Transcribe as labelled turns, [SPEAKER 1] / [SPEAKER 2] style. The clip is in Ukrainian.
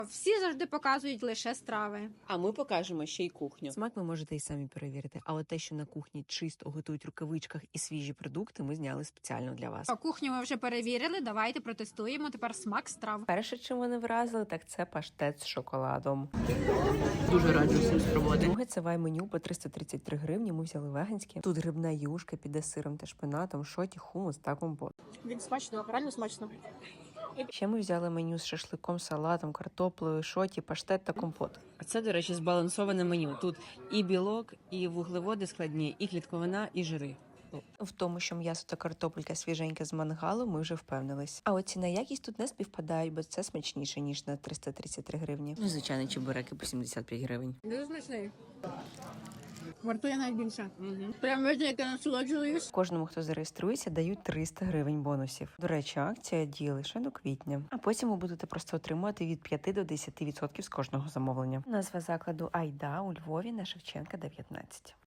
[SPEAKER 1] Всі завжди показують лише страви.
[SPEAKER 2] А ми покажемо ще й кухню.
[SPEAKER 3] Смак ви можете і самі перевірити, а от те, що на кухні чисто готують в рукавичках і свіжі продукти, ми зняли спеціально для вас.
[SPEAKER 1] А кухню ми вже перевірили. Давайте протестуємо тепер смак страв.
[SPEAKER 3] Перше, чим вони вразили, так це паштет з шоколадом.
[SPEAKER 2] Дуже раджу всім спробувати.
[SPEAKER 3] Друге, це вай-меню по 333 гривні. Ми взяли веганське. Тут грибна юшка піде з сиром та шпинатом, шоті, хумус та компот.
[SPEAKER 4] Він смачно, реально смачно.
[SPEAKER 3] Ще ми взяли меню з шашликом, салатом, картоплею, шоті, паштет та компот.
[SPEAKER 2] А це, до речі, збалансоване меню. Тут і білок, і вуглеводи складні, і клітковина, і жири.
[SPEAKER 3] В тому, що м'ясо та картопелька свіженьке з мангалу, ми вже впевнились. А от ціна якість тут не співпадають, бо це смачніше, ніж на 333 гривні.
[SPEAKER 2] Ну, звичайно, чебуреки по 75 гривень.
[SPEAKER 4] Дуже смачний. Вартує навіть більше. Прям видно, як я насолоджуюсь.
[SPEAKER 3] Кожному, хто зареєструється, дають 300 гривень бонусів. До речі, акція діє лише до квітня. А потім ви будете просто отримувати від 5 до 10% з кожного замовлення. Назва закладу Айда у Львові на Шевченка 19.